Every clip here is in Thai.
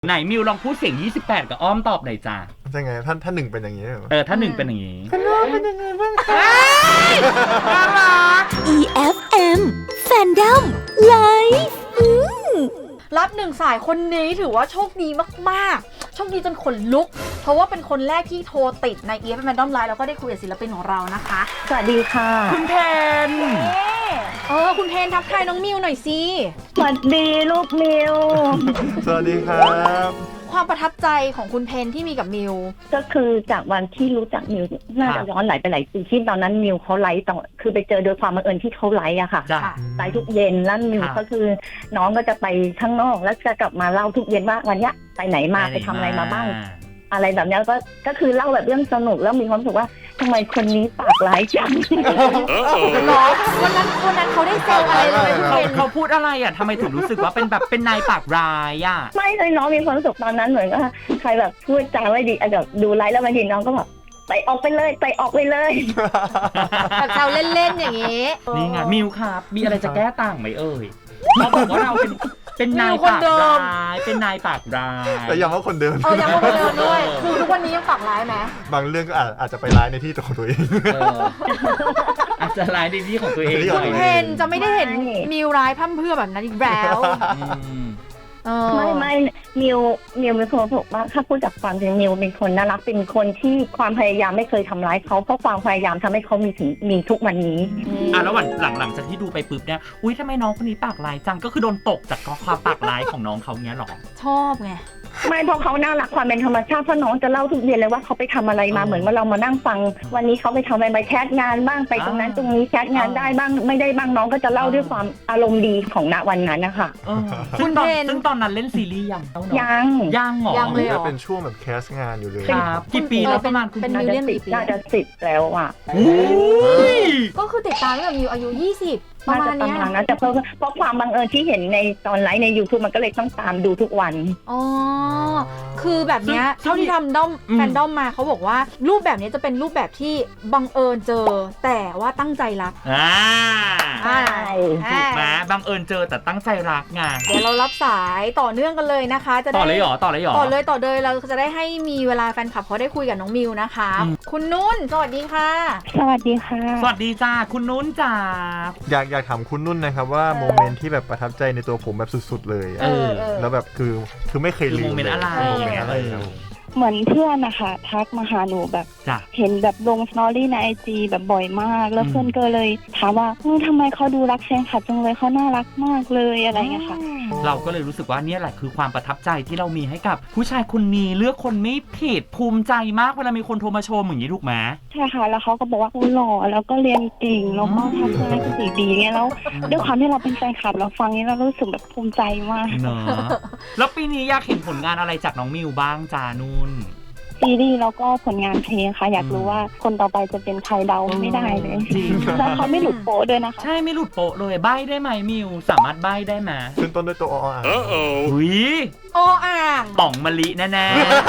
ไหนมิวลองพูดเสียง28กับอ้อมตอบหน่อยจ้ายังไงท่านหนึ่งเป็นอย่างนี้เหรอถ้าหนึ่งเป็นอย่างนี้ท่านน้องเป็นยังไงบ้างคะน่ารัก EFM Fandom Live รับหนึ่งสายคนนี้ถือว่าโชคดีมากๆโชคดีจนขนลุกเพราะว่าเป็นคนแรกที่โทรติดใน EFM Fandom Live แล้วก็ได้คุยกับศิลปินของเรานะคะสวัสดีค่ะคุณเพนคุณเพนทักทายน้องมิวหน่อยสิสวัสดีลูกมิวสวัสดีครับความประทับใจของคุณเพนที่มีกับมิวก็คือจากวันที่รู้จักมิวน่าจะย้อนไหลไปหลายปีที่ตอนนั้นมิวเขาไลฟ์ต่อคือไปเจอโดยความบังเอิญที่เขาไลฟ์อะค่ะไลฟ์ทุกเย็นแล้วมิวก็คือน้องก็จะไปข้างนอกแล้วจะกลับมาเล่าทุกเย็นว่าวันนี้ไปไหนมาไปทำอะไรมาบ้างอะไรแบบนี้ก็คือเล่าแบบเรื่องสนุกแล้วมีความรู้สึกว่าทำไมคนนี้ปากร้ายจังหรอวันนั้นเขาได้เซลอะไรเลยเขาพูดอะไรอ่ะทำไมถึงรู้สึกว่าเป็นแบบเป็นนายปากร้ายอ่ะไม่เลยน้องมีความรู้สึกตอนนั้นเหมือนว่าใครแบบพูดจาไม่ดีแบบดูไลฟ์แล้วบางทีน้องก็แบบไปออกไปเลยแบบเซลเล่นๆอย่างนี้นี่ไงมิวครับมีอะไรจะแก้ต่างไหมเอ่ยเขาบอกว่าเราเป็นนายปากร้ายเป็นนายปากร้ายแต่ยังว่าคนเดิมยังว่าคนเดิมด้วยคือทุกวันนี้ยังปากร้ายไหมบางเรื่องก็อาจจะไปร้ายในที่ของตัวเองอาจจะร้ายในที่ของตัวเองคุณเพนจะไม่ได้เห็นมิวร้ายพร่ำเพรื่อแบบนั้นอีกแล้วไม่มิวเป็นคนบอกว่าถ้าพูดจากความจริงมิวเป็นคนน่ารักเป็นคนที่ความพยายามไม่เคยทำร้ายเขาเพราะความพยายามทำให้เขามีทุกวันนี้แล้วหลังจากที่ดูไปปุ๊บเนี่ยอุ้ยทำไมน้องคนนี้ปากร้ายจังก็คือโดนตกจากความปากร้ายของน้องเขาเนี้ยหรอชอบไงไม่เพราะเขาน่ารักความเป็นธรรมชาติเพราะน้องจะเล่าทุกเย็นเลยว่าเขาไปทำอะไรมาเหมือนว่าเรามานั่งฟังวันนี้เขาไปทำอะไรมาแคสงานบ้างไปตรงนั้นตรงนี้แคสงานได้บ้างไม่ได้บ้างน้องก็จะเล่าด้วยความอารมณ์ดีของณวันนั้นนะคะซึ่งตอนนั้นเล่นซีรีส์ยังหรอยังเลยจะเป็นช่วงแบบแคสงานอยู่เลยครับกี่ปีแล้วประมาณคุณเป็นมิวเลียนน่าจะ10แล้วอ่ะก็คือติดตามตั้งแต่มิวอายุ20ประมาณนี้นะแต่เพราะความบังเอิญที่เห็นในตอนไลฟ์ใน YouTube มันก็เลยต้องตามดูทุกวันคือแบบนี้เท่าที่ทำด้อมแฟนด้อมมาเขาบอกว่ารูปแบบนี้จะเป็นรูปแบบที่บังเอิญเจอแต่ว่าตั้งใจรักถูกไหมบังเอิญเจอแต่ตั้งใจรักไงเดี๋ยวเรารับสายต่อเนื่องกันเลยนะคะจะได้ต่อเลยต่อเลยเราจะได้ให้มีเวลาแฟนคลับเขาได้คุยกับน้องมิวนะคะคุณนุ่นสวัสดีค่ะสวัสดีค่ะสวัสดีจ้าคุณนุ่นจ้าอยากถามคุณนุ่นนะครับว่าโมเมนต์ที่แบบประทับใจในตัวผมแบบสุดๆเลยแล้วแบบคือไม่เคยลืมโมเมนต์อะไรเหมือนเพื่อนนะคะทักมาหาหนูแบบเห็นแบบลงสตอรี่ใน IG แบบบ่อยมากแล้วเพื่อนก็เลยถามว่าทำไมเขาดูรักแฟนคลับจังเลยเขาน่ารักมากเลยอะไรเงี้ยค่ะเราก็เลยรู้สึกว่านี่แหละคือความประทับใจที่เรามีให้กับผู้ชายคนนี้เลือกคนไม่ผิดภูมิใจมากเวลามีคนโทรมาชมอย่างนี้ถูกไหมใช่ค่ะแล้วเขาก็บอกว่าหล่อแล้วก็เรียนเก่งแล้วก็ทำงานดีๆเงี้ยแล้วด้วยความที่เราเป็นแฟนคลับเราฟังนี้เรารู้สึกแบบภูมิใจมากเนาะแล้วปีนี้อยากเห็นผลงานอะไรจากน้องมิวบ้างจานุ่นซีรีส์แล้วก็ผลงานเพลงค่ะอยากรู้ว่าคนต่อไปจะเป็นใครเดาไม่ได้เลยจริงแล้วเขาไม่หลุดโป๊ะด้วยนะคะใช่ไม่หลุดโป๊ะเลยใบ้ได้ไหมมิวสามารถใบ้ได้ไหมขึ้นต้นด้วยตัวออ่างอุ้ยอ่างป่องมะลิแน่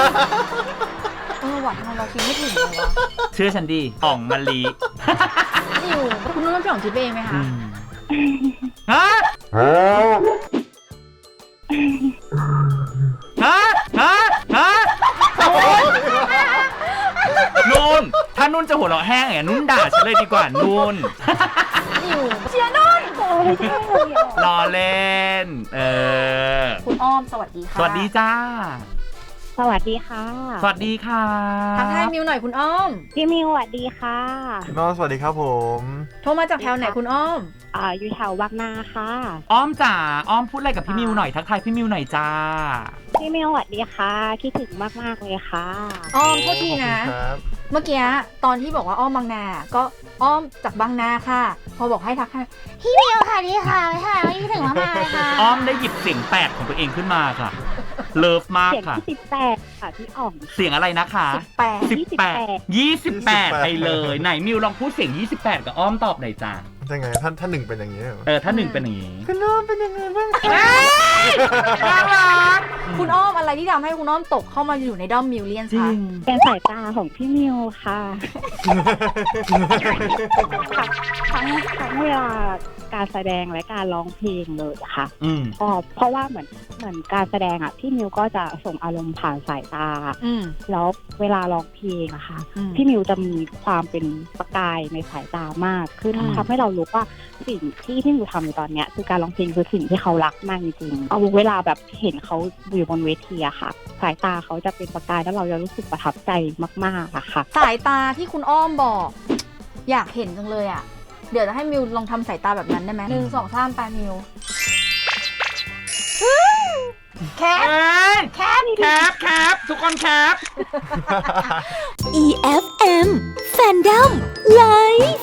หวานทำไมเราคิดไม่ถึงเลยวะเชื่อฉันดิป่องมะลิมิวคุณนุ่นเป็นของคิดเองไหมคะฮะนุ่นถ้านุ่นจะหัวเราะแห้งนุ่นด่าฉันเลยดีกว่านุ่นเชียร์นุ่นรอเล่นคุณอ้อมสวัสดีค่ะสวัสดีจ้าสวัสดีค่ะสวัสดีค่ะทักทายมิวหน่อยคุณอ้อมพี่มิวสวัสดีค่ะน้องสวัสดีครับผมโทรมาจากแถวไหนคุณอ้อมอยู่แถวบางนาค่ะอ้อมจ๋าอ้อมพูดอะไรกับพี่มิวหน่อยทักทายพี่มิวหน่อยจ้าพี่มิวสวัสดีค่ะคิดถึงมากๆเลยค่ะอ้อมโทษทีนะเมื่อกี้ตอนที่บอกว่าอ้อมบางนาก็อ้อมจากบางนาค่ะพอบอกให้ทักทายพี่มิวค่ะดีค่ะคิดถึงมากๆเลยค่ะอ้อมได้หยิบเสียงแปดของตัวเองขึ้นมาค่ะเลิฟมากค่ะเสียง18ค่ะพี่อ๋อมเสียงอะไรนะคะ28ไปเลยไหนมิวลองพูดเสียง28กับอ้อมตอบหน่อยจ้ายังไงท่านหนึ่งเป็นอย่างนี้เหรอถ้าหนึ่งเป็นอย่างนี้คุณน้องเป็นยังไงบ้างน่ารักคุณอ้อมอะไรที่ทำให้คุณอ้อมตกเข้ามาอยู่ในด้อมมิวเลียนคะเป็นสายตาของพี่มิวค่ะทั้งเวลาการแสดงและการร้องเพลงเลยอะค่ะอืมเพราะว่าเหมือนการแสดงอะพี่มิวก็จะส่งอารมณ์ผ่านสายตา แล้วเวลาร้องเพลงอะค่ะพี่มิวจะมีความเป็นประกายในสายตามากคือทำให้เรารู้ว่าสิ่งที่พี่มิวทำในตอนเนี้ยคือการร้องเพลงคือสิ่งที่เขารักมากจริงๆเอาเวลาแบบเห็นเขาอยู่บนเวทีอะค่ะสายตาเขาจะเป็นประกายแล้วเราจะรู้สึกประทับใจมากๆอะค่ะสายตาที่คุณอ้อมบอกอยากเห็นจังเลยอะเดี๋ยวจะให้มิวลองทำสายตาแบบนั้นได้ไหม1 2 3 ไปมิวแคปทุกคนแคป EFM Fandom Live